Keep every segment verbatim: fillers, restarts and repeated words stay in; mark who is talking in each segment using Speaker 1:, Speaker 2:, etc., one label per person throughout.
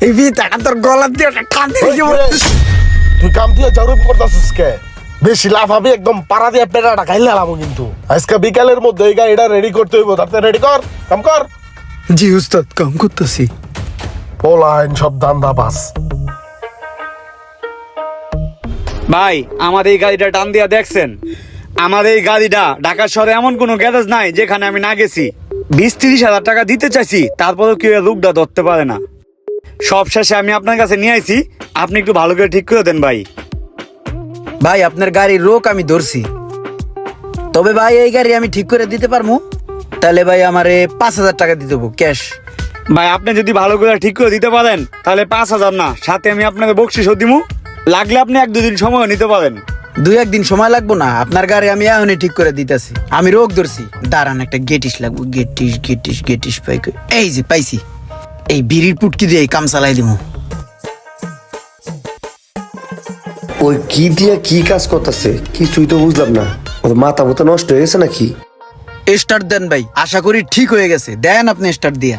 Speaker 1: এই বিটাটা তোর গলা দিয়ে টান দিয়ে
Speaker 2: তুই কাম দিয়ে জরুর করতেছিস কে? বেশি লাভ হবে একদম পাড়া দিয়ে পেটাটা খাইলে আলামো কিন্তু। আজকে বিকালের মধ্যে এই গাড়িটা রেডি করতে হইব, তাতে রেডি কর, কাম কর।
Speaker 1: জি উস্তাদ, কাম করতেছি।
Speaker 2: পোলাইন সব দান্দা বাস।
Speaker 3: ভাই আমার এই গাড়িটা টান দিয়া দেখছেন? আমার এই গাড়িটা ঢাকা শহরে এমন কোনো গ্যারেজ নাই যেখানে আমি না গেছি। বিশ তিরিশ হাজার টাকা দিতে চাইছি, তারপরেও কেউ রূপটা ধরতে পারে না। সব শেষে আমি আপনার কাছে নিয়ে আইছি, আপনি একটু ভালো করে ঠিক করে দেন ভাই।
Speaker 1: ভাই আপনার গাড়ির রোক আমি ধরছি, তবে ভাই এই গাড়ি আমি ঠিক করে দিতে পারবো। তাহলে ভাই আমারে পাঁচ হাজার টাকা দিতে দেবো ক্যাশ।
Speaker 3: ভাই আপনি যদি ভালো করে ঠিক করে দিতে পারেন তাহলে পাঁচ হাজার না, সাথে আমি আপনাকে বকশিসও দিমু। লাগলে আপনি এক দুদিন সময় নিতে পারেন।
Speaker 1: দুই একদিন সময় লাগবো না, আপনার গাড়ি আমি এখনই ঠিক করে দিতেছি। আমি রোগ ধরছি, দাঁড়ান একটা গেটিস লাগবো। গেটিস গেটিস গেটিস পাই কই? এই যে পাইছি। এই বিড়ির পুটকি দিয়ে কাম চালাই দিমু।
Speaker 4: ওই কি দিয়া কি কাজ করতেছে কিছুই তো বুঝলাম না। ওর মাথা মতো নষ্ট হয়ে গেছে নাকি?
Speaker 1: স্টার্ট দেন ভাই, আশা করি ঠিক হয়ে গেছে। দেন আপনি স্টার্ট দিয়া।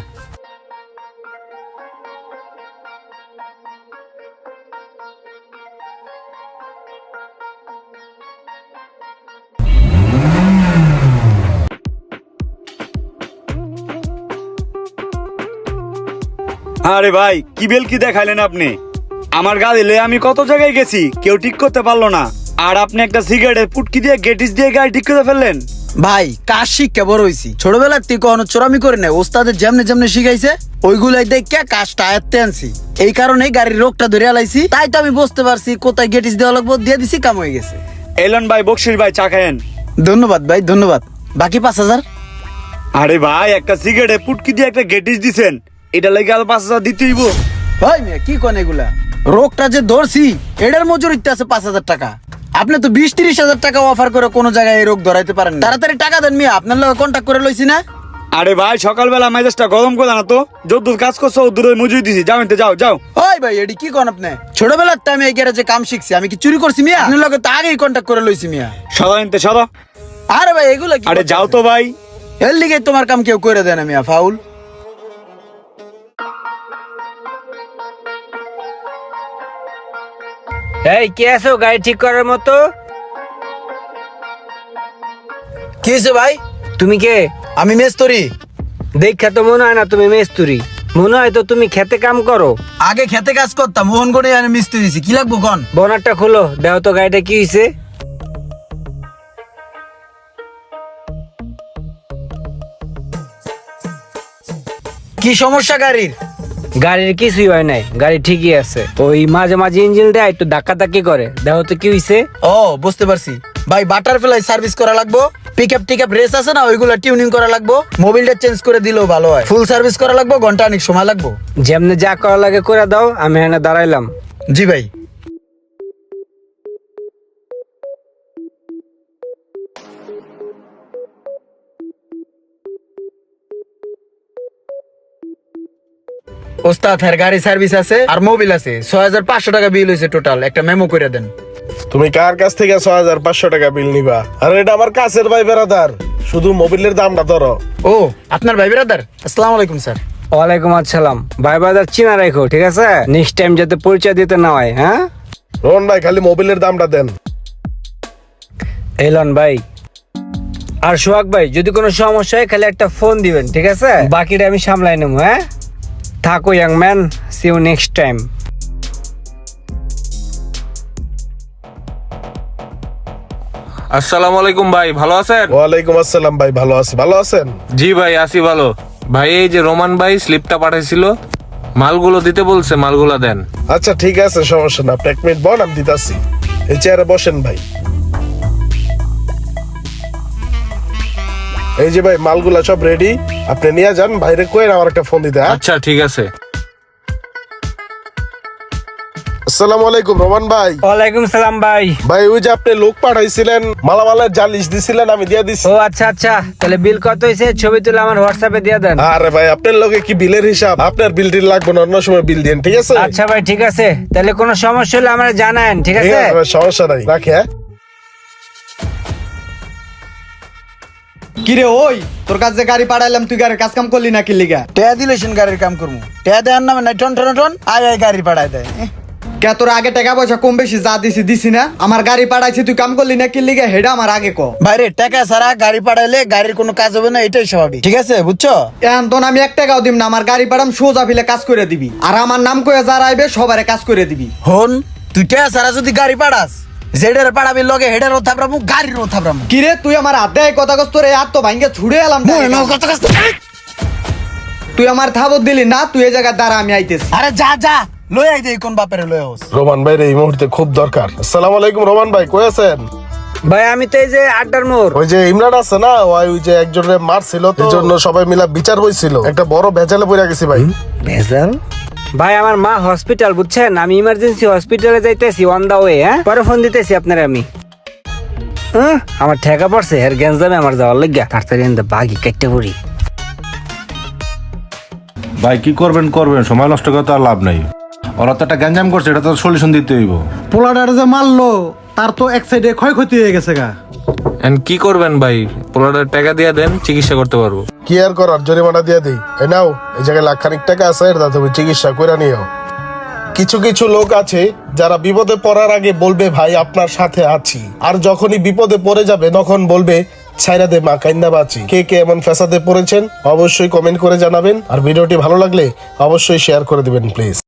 Speaker 3: আরে ভাই কি বেল কি দেখাইলেন আপনি? আমার গাড়ি লয়ে আমি কত জায়গায় গেছি, কেউ ঠিক করতে পারলো না, আর আপনি একটা সিগারেটের পুটকি দিয়ে গেটিস দিয়ে গাড়ি ঠিক করে ফেললেন।
Speaker 1: ভাই কাজ শিক্ষা বড় হইছি, ছোটবেলার থেকে কখনো চোরামি করে নেই। ওস্তাদের যেমনে যেমনে শিখাইছে ওইগুলাই দেখে কাজটা আয়ত্তে আনছি। এই কারণে গাড়ির রোগটা ধরে আলাইছি, তাই তো আমি বুঝতে পারছি কোথায় গেটিস দেওয়া লাগবো, দিয়ে দিছি, কাম হয়ে গেছে।
Speaker 3: এলন ভাই, বকশিস ভাই, চা খায়েন।
Speaker 1: ধন্যবাদ ভাই, ধন্যবাদ। বাকি পাঁচ হাজার?
Speaker 3: আরে ভাই একটা সিগারেটের পুটকি দিয়ে একটা গেটিস দিছেন, এটা লাগে আর পাঁচ হাজার দিতে হইব?
Speaker 1: ভাই মিয়া কি কোন এগুলা? রোগটা যে ধরছি এটার মজুরিতে আছে পাঁচ হাজার টাকা। আপনি তো বিশ তিরিশ হাজার টাকা অফার করে কোনো জায়গায় এই রোগ ধরাইতে পারেন না। তাড়াতাড়ি টাকা দেন মিয়া, আপনার লগে কন্ট্যাক্ট করে লইছি না।
Speaker 3: আরে ভাই সকালবেলা মেজাজটা গরম করে না তো, যদ্দূর কাজ করছো দূরে মজুরি দিছি, যাও এনতে যাও যাও।
Speaker 1: ওই ভাই এডি কি কোন আপনি? ছোটবেলার তো আমি এই গ্যারেজে কাম শিখছি, আমি কি চুরি করছি মিয়া? আপনার লগে তো আগেই কন্ট্যাক্ট করে লইছি মিয়া।
Speaker 3: সদা এনতে সদা।
Speaker 1: আরে ভাই এগুলা কি?
Speaker 3: আরে যাও তো ভাই।
Speaker 1: এর লিগে তোমার কাম কেউ করে দেয় না মিয়া, ফাউল।
Speaker 5: এই কে আছো গাড়ি ঠিক করার মতো?
Speaker 1: কি হয়েছে ভাই?
Speaker 5: তুমি কে?
Speaker 1: আমি মেস্তরি।
Speaker 5: দেখা তো মনে হয় না তুমি মেস্তুরি, মনে হয় তো তুমি খেতে কাম করো।
Speaker 1: আগে খেতে কাজ করতাম, মোহনগড়ে আমি মিস্ত্রি দিছি। কি লাগবো কোন?
Speaker 5: বনারটা খুলো, দেও তো গাড়িটা কি হয়েছে।
Speaker 1: কি সমস্যা গাড়ির?
Speaker 5: গাড়ির কিছুই হয় নাই, গাড়ি ঠিকই আছে। ওই মাঝে মাঝে ইঞ্জিন দেয় একটু ধাক্কা ধাক্কি করে, দেও তো কি হয়েছে।
Speaker 1: ও বুঝতে পারছি ভাই, বাটারফ্লাই সার্ভিস করা লাগবো। পিকআপ টিকআপ রেস আছে না, ওইগুলা টিউনিং করা লাগবো। মোবিলটা চেঞ্জ করে দিলেও ভালো হয়। ফুল সার্ভিস করা লাগবো, ঘন্টা অনেক সময় লাগবো।
Speaker 5: যেমনে যা করা লাগে করে দাও, আমি এখানে দাঁড়াইলাম।
Speaker 1: জি ভাই। ওস্তাদ হ্যার গাড়ি সার্ভিস আছে আর মোবিল আছে। ছয় হাজার পাঁচশো টাকা বিল হয়েছে টোটাল। একটা মেমো করে দেন।
Speaker 2: তুমি কার কাছ থেকে ছয় হাজার পাঁচশো টাকা বিল নিবা? আর এটা আমার কাছের ভাই বেড়াদার, শুধু মোবিলের দামটা ধরো।
Speaker 1: ও আপনার ভাই ব্রাদার? আসসালামু আলাইকুম স্যার।
Speaker 5: ওয়ালাইকুম আসসালাম। ভাই বাজার চিনা রাখো, ঠিক আছে? নেক্সট টাইম যাতে পরিচয় দিতে না হয়। হ্যাঁ
Speaker 2: রোহন ভাই, খালি মোবিলের দামটা দেন।
Speaker 5: এলন ভাই আর সোহাগ ভাই, যদি কোনো সমস্যা হয় খালি একটা ফোন দিবেন, ঠিক আছে? বাকিটা আমি সামলাই নেবো। হ্যাঁ থাকো young man, see you next time.
Speaker 6: আসসালামু আলাইকুম ভাই, ভালো আছেন?
Speaker 2: ওয়ালাইকুম আসসালাম ভাই, ভালো আছি। ভালো আছেন?
Speaker 6: জি ভাই আছি ভালো। ভাই এই যে রোমান ভাই স্লিপটা পাঠাইছিল, মালগুলো দিতে বলছে, মালগুলো দেন।
Speaker 2: আচ্ছা ঠিক আছে, সমস্যা না। আপনি এক মিনিট বল, আমি দিতাছি। এই চেয়ারে বসেন ভাই। এই যে ভাই মালগুলা সব রেডি, আপনি নিয়ে যান। ভাইরে কই আমার একটা ফোন দিতে। হ্যাঁ
Speaker 6: আচ্ছা ঠিক আছে।
Speaker 2: আসসালামু আলাইকুম রোমান ভাই।
Speaker 5: ওয়ালাইকুম সালাম ভাই।
Speaker 2: ভাই ওই যে আপনি লোক পাঠাইছিলেন, মালামালের জালিশ দিছিলেন, আমি দিয়ে দিছি।
Speaker 5: ও আচ্ছা আচ্ছা, তাহলে বিল কত হয়েছে ছবি তুলে আমার হোয়াটসঅ্যাপে দিয়ে দেন।
Speaker 2: আরে ভাই আপনার লগে কি বিলের হিসাব? আপনার বিল টিল লাগবে না, অন্য সময় বিল দিন, ঠিক আছে?
Speaker 5: আচ্ছা ভাই ঠিক আছে, তাহলে কোনো সমস্যা হলে আমার জানান, ঠিক
Speaker 2: ঠিক
Speaker 5: আছে?
Speaker 2: আছে ভাই, সমস্যা নাই, রাখি। হ্যাঁ
Speaker 7: কিরে ওই তোর কাছে যে গাড়ি পাঠাইলাম তুই গাড়ির কাজ কাম করলি না কি লিগা?
Speaker 1: টেয়া দিলে সেন গাড়ির কাম করবো, টেয়া দেওয়ার নামে নাই টন টন টন আয় আয় গাড়ি পাঠায় দেয়। এহ,
Speaker 7: কে তোর আগে টাকা পয়সা কম বেশি যা দিছি দিছি না? আমার গাড়ি পাঠাইছি তুই কাম করলি না কি লিগা হেডা আমার আগে ক।
Speaker 1: বাইরে টাকা ছাড়া গাড়ি পাঠাইলে গাড়ির কোনো কাজ হবে না, এটাই স্বাভাবিক, ঠিক আছে বুঝছো?
Speaker 7: এখন তো আমি এক টাকাও দিব না, আমার গাড়ি পাঠাম সোজা ফিলে কাজ করে দিবি, আর আমার নাম কয়ে যারা আইবে সবারে কাজ করে দিবি।
Speaker 1: হন তুই টেয়া ছাড়া যদি গাড়ি পাঠাস, জেডের পাঠাবি লগে হেডেরও থাপড়ামু গাড়িরও থাপড়ামু।
Speaker 7: কিরে তুই আমার হাতে এই কথা কস তোর এই হাত তো ভাঙ্গে ছুড়ে এলাম। তুই আমার থাবত দিলি না, তুই এই জায়গায় দাঁড়া আমি আইতেছি।
Speaker 1: আরে যা যা লই আই দে কোন বাপের লই হোস।
Speaker 2: রোমান ভাই এই মুহূর্তে খুব দরকার। আসসালামু আলাইকুম রোমান ভাই, কই আছেন?
Speaker 5: ভাই আমি তো এই যে আড্ডার মোড়।
Speaker 2: ওই যে ইমরান আছে না, ওই ওই যে একজনের মারছিল, তো এই জন্য সবাই মিলা বিচার হইছিল, একটা বড় ভেজালে পড়ে গেছি ভাই।
Speaker 5: ভেজাল? ভাই আমার মা হসপিটাল বুঝছেন, আমি ইমার্জেন্সি হসপিটালে যাইতেছি অন দা ওয়ে। হ্যাঁ পরে ফোন দিতেছি আপনারা আমি। হ্যাঁ আমার ঠেকা পড়ছে এর গ্যাঞ্জামে আমার যাওয়ার লাগিয়া, তাড়াতাড়ি এনে বাগি কেটে পড়ি।
Speaker 8: ভাই কি করবেন করবেন, সময় নষ্ট করে তো আর লাভ নাই। ওরা তো একটা গ্যাঞ্জাম করছে, এটা তো সলিউশন দিতে হইব।
Speaker 9: পোলাডার যে মারলো তার তো এক সাইডে ক্ষয়ক্ষতি হয়ে গেছে গা।
Speaker 6: এন্ড কি করবেন ভাই, পোলারের টাকা দিয়ে দেন, চিকিৎসা করতে পারবো।
Speaker 2: কি আর করার, জরিমানা দিয়ে দিই। এই নাও, এই জায়গায় লাখ খানিক টাকা আছে, এটা তুমি চিকিৎসা করে নিও। কিছু কিছু লোক আছে যারা বিপদে পড়ার আগে বলবে ভাই আপনার সাথে আছি, আর যখনই বিপদে পড়ে যাবে তখন বলবে ছাইরা দে মা কাইন্দা বাঁচি। কে কে এমন ফ্যাসাদে পড়েছেন অবশ্যই কমেন্ট করে জানাবেন, আর ভিডিওটি ভালো লাগলে অবশ্যই শেয়ার করে দিবেন প্লিজ।